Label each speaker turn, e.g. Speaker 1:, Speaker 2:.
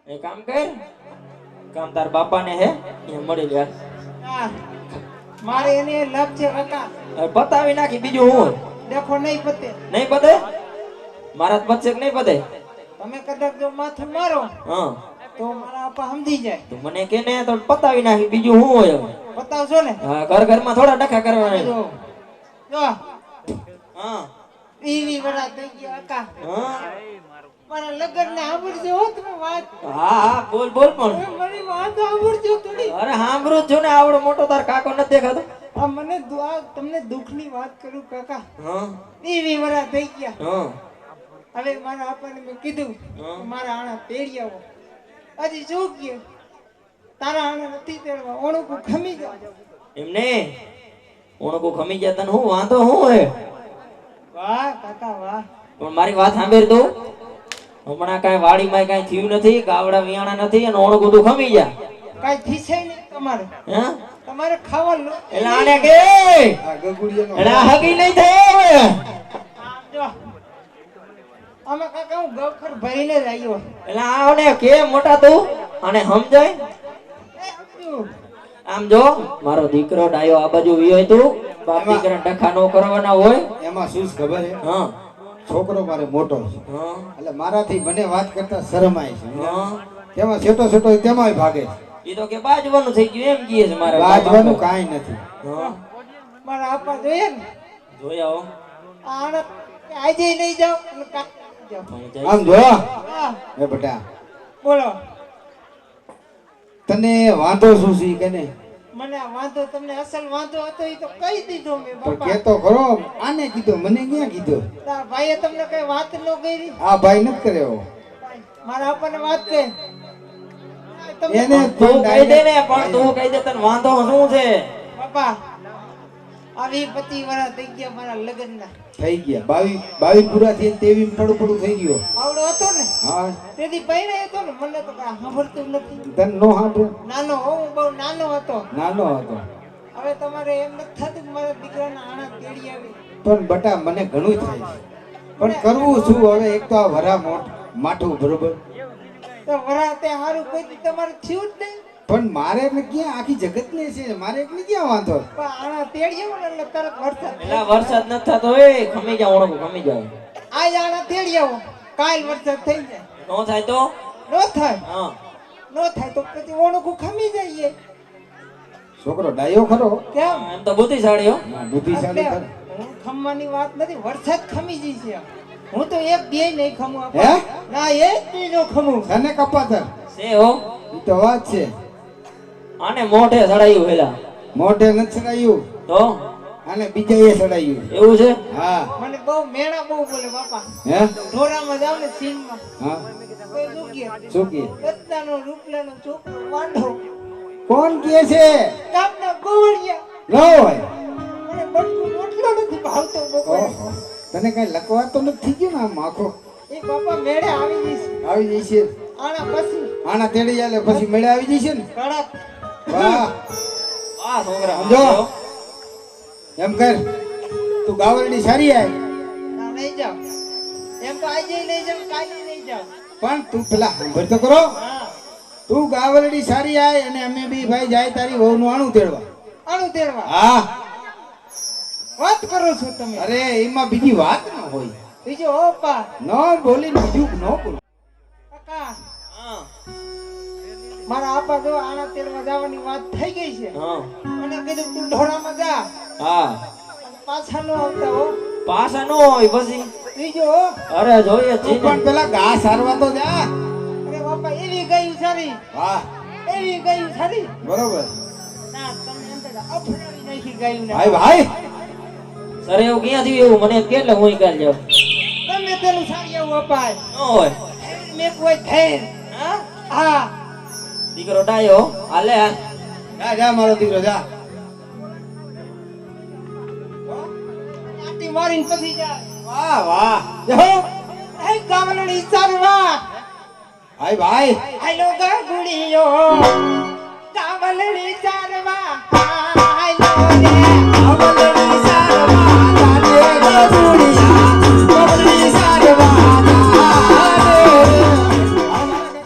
Speaker 1: એ કામ કર, કામ તાર બાપાને હે એ મળી લ્યા.
Speaker 2: મારે એને લપ છે કાકા.
Speaker 1: પતાવી નાખી બીજું હું
Speaker 2: દેખો નહીં પતે.
Speaker 1: નહીં પતે મારા પતશે કે નહીં પતે?
Speaker 2: તમે કદાચ જો માથું મારો
Speaker 1: હા
Speaker 2: તો મારા આપા સમજી જાય.
Speaker 1: તો મને કે ને તો પતાવી નાખી બીજું હું હોય.
Speaker 2: પતાવશો ને?
Speaker 1: હા ઘર ઘરમાં થોડા ડખા કરવાના.
Speaker 2: જો
Speaker 1: હા
Speaker 2: 20 વર્ષ થઈ ગયા કાકા.
Speaker 1: હા
Speaker 2: મારા લગન ને સાંભળજો હો તમે વાત.
Speaker 1: હા હા બોલ બોલ પણ
Speaker 2: મારી વાત સાંભળજો થોડી.
Speaker 1: અરે સાંભળું જ છું ને, આવડો મોટો તાર કાકો નથી દેખાતો.
Speaker 2: આ મને તમને દુઃખની વાત કરું કાકા.
Speaker 1: હા
Speaker 2: 20 વર્ષ થઈ ગયા.
Speaker 1: હા
Speaker 2: હવે મારા આપાને મેં કીધું મારા આણા તેડી આવો. હજી શું ગયું તારા આણા નથી તેડવા, ઓણું ખમી જાવ.
Speaker 1: એમને ઓણકો ખમી ગયા તને હું વાંધો હું હે?
Speaker 2: વાહ કાકા વાહ.
Speaker 1: પણ મારી વાત સાંભળ તું, હમણાં કાંઈ વાડીમાં કાંઈ થયું નથી, ગાવડા વિયાણા નથી અને ઓણકો તું ખમી જા.
Speaker 2: કાઈ થીસે નહીં તમારે.
Speaker 1: હે
Speaker 2: તમારે ખાવાનું
Speaker 1: એટલે આને કે
Speaker 3: આ ગગુડિયાનો
Speaker 1: એટલે આ હગી નહીં થાય.
Speaker 2: આમ જો આમાં કાકા હું ગવખર ભરીને જ આવ્યો.
Speaker 1: એટલે આને કે મોટા તું અને સમજાય. આમ જો મારો દીકરો ડાયો આ બાજુ વિયો તું, બાપ દીકરા ડખા નો કરવાના હોય.
Speaker 3: એમાં શું છે ખબર હે?
Speaker 1: હા
Speaker 3: છોકરો મારે મોટો છે
Speaker 1: હા
Speaker 3: એટલે મારાથી મને વાત કરતા શરમ આવે છે.
Speaker 1: હા
Speaker 3: તેમાં છેટો છેટો તેમાંય ભાગે છે.
Speaker 1: એ તો કે બાજવાનું થઈ ગયું એમ કહે છે મારા
Speaker 3: બાજવાનું કાંઈ નથી.
Speaker 1: હા
Speaker 2: મારા આપા જોઈએ ને
Speaker 1: જોઈ આવો.
Speaker 2: આને આજે નહીં જાવ અને કાલે જાવ.
Speaker 3: આમ જો
Speaker 2: હા
Speaker 3: એ બેટા,
Speaker 2: બોલો.
Speaker 3: તને વાંધો શું છે કે નહીં?
Speaker 2: મને આ વાંધો તમને અસલ વાંધો હતો એ તો કહી દીધો મેં
Speaker 3: તો
Speaker 2: બાપા.
Speaker 3: કેતો ખરો, આને કીધો મને ક્યાં કીધો?
Speaker 2: તારા ભાઈએ તમને કઈ વાત ન કરી?
Speaker 3: આ ભાઈ નથી કર્યો.
Speaker 2: મારા આપાને વાત કહે.
Speaker 3: એને
Speaker 1: તું કહી દે ને, પણ તું કહી દે તને વાંધો શું છે?
Speaker 2: બાપા આવી 25 વર્ષ થઈ ગયા મારા લગ્નના.
Speaker 3: થઈ ગયા 22 પૂરા થઈ 23 પડું પડું થઈ ગયો.
Speaker 2: આવડો હતો ને
Speaker 3: હા
Speaker 2: તેથી પહેરે હતો ને, મને તો કાંઈ સાંભળતું નથી.
Speaker 3: તને નો સાંભળે?
Speaker 2: નાનો હું બહુ નાનો હતો.
Speaker 3: નાનો હતો
Speaker 2: હવે તમારે એમ નથી થતું કે મારા દીકરાના આણા તેડી આવી.
Speaker 3: પણ બટા મને ઘણું થાય છે, પણ કરવું શું હવે? એક તો આ વરા માઠું બરોબર,
Speaker 2: તો વરાતે હારું કોઈ દી તમારે થયું જ નહીં.
Speaker 3: પણ મારે એટલે ક્યાં આખી જગત ને છે, મારે એટલે ક્યાં વાંધો?
Speaker 2: પણ આણા તેડી આવો ને એટલે તરત વરસાદ થઈ
Speaker 1: એલા
Speaker 2: જાય.
Speaker 1: વરસાદ નથી થતો એ ખમી જા ઓણકો ખમી જાય.
Speaker 2: આજ આણા તેડી આવો, કાલ વરસાદ થઈ જાય.
Speaker 1: નો થાય તો
Speaker 2: નો થાય
Speaker 1: હા
Speaker 2: નો થાય તો પછી ઓણું ખમી જઈએ.
Speaker 3: છોકરો ડાયો ખરો,
Speaker 2: કેમ?
Speaker 1: એમ તો બુદ્ધિશાળી હો.
Speaker 3: બુદ્ધિશાળી
Speaker 2: એટલે
Speaker 3: ખરો.
Speaker 2: હું ખમવાની વાત નથી, વરસાદ ખમી જઈ છે. હું તો એક બે નહીં ખમું
Speaker 3: હે?
Speaker 2: ના એક બી નો ખમું.
Speaker 3: તને કપાતર
Speaker 1: છે હો.
Speaker 3: ઈ તો વાત છે.
Speaker 1: આને મોઢે સડાયું વેલા
Speaker 3: મોઢે નથી ચડાયું,
Speaker 1: તો
Speaker 3: અને બીજાએ ચડાયું.
Speaker 1: એવું છે.
Speaker 3: હા
Speaker 2: મને બહુ મેણા બહુ બોલે બાપા.
Speaker 3: હે
Speaker 2: ઢોરામાં જાવ ને સીનમાં
Speaker 3: હા
Speaker 2: કોઈ શું કહે?
Speaker 3: શું કે?
Speaker 2: રત્નાનો રૂપલાનો છોકરો વાંઢો
Speaker 3: કોણ કે છે?
Speaker 2: ગામના ગોવળિયા.
Speaker 3: ન હોય.
Speaker 2: મને બટકું રોટલો નથી ભાવતો બપોરે.
Speaker 3: ઓહો, તને કઈ લકવા તો નથી થઈ ગયું ને? આમ આખો
Speaker 2: એ બાપા મેળે આવી જઈશ
Speaker 3: આવી જશે.
Speaker 2: આના પછી
Speaker 3: આના તેડી ચાલે પછી મેળે આવી જશે ને.
Speaker 2: કડક.
Speaker 3: વાહ
Speaker 1: આ છોકરા
Speaker 3: સમજો. એમ કર, તું ગાવરડી સારી આય,
Speaker 2: ના નહીં જાવ. એમ તો આજે નહીં જાવ, કાલે નહીં જાવ.
Speaker 3: પણ તું પેલા સાંભળ તો કરો.
Speaker 2: હા
Speaker 3: તું ગાવરડી સારી આય અને અમે બી ભાઈ જાય તારી વહુનું આણું તેડવા.
Speaker 2: આણું તેડવા
Speaker 3: હા
Speaker 2: વાત કરો છો તમે?
Speaker 3: અરે એમાં બીજી વાત ન હોય.
Speaker 2: બીજો ઓપા
Speaker 3: ન બોલી બીજું ન બોલ.
Speaker 2: કાકા
Speaker 1: હા
Speaker 2: મારા આપા જો આણા તેડવા જવાની વાત થઈ ગઈ છે.
Speaker 1: હા
Speaker 2: મને કીધું તું ઢોરામાં જા
Speaker 1: હા
Speaker 2: અને પાછા ન આવતા હો.
Speaker 1: પાછા નો હોય પછી.
Speaker 2: બીજો હો.
Speaker 1: અરે જોઈએ
Speaker 3: તું
Speaker 1: છે
Speaker 3: પણ પેલા ઘા સારવા તો જા.
Speaker 2: અરે બાપા એવી ગયું સારી,
Speaker 3: વાહ
Speaker 2: એવી ગયું સારી.
Speaker 3: બરોબર.
Speaker 2: ના તમને એમ તો અફડાવી નાખી ગયું ને.
Speaker 3: ભાઈ ભાઈ
Speaker 1: સર એવું ક્યાં થયું એવું મને કેટલે હું કાલ જાઉં.
Speaker 2: ગમે તેનું સારી એવું અપાય.
Speaker 1: ન હોય.
Speaker 2: મેં કોઈ થેર.
Speaker 1: હા
Speaker 2: હા
Speaker 1: દીકરો ડાયો હાલે હાલ.
Speaker 3: જા જા મારો દીકરો જા.
Speaker 2: આટી મારીને પછી જા.
Speaker 3: વાહ વાહ.
Speaker 2: જો એ ગામડની સરવા
Speaker 3: ભાઈ ભાઈ
Speaker 2: હાલો ગાગુડીયો ગામડની સરવા હાલો રે.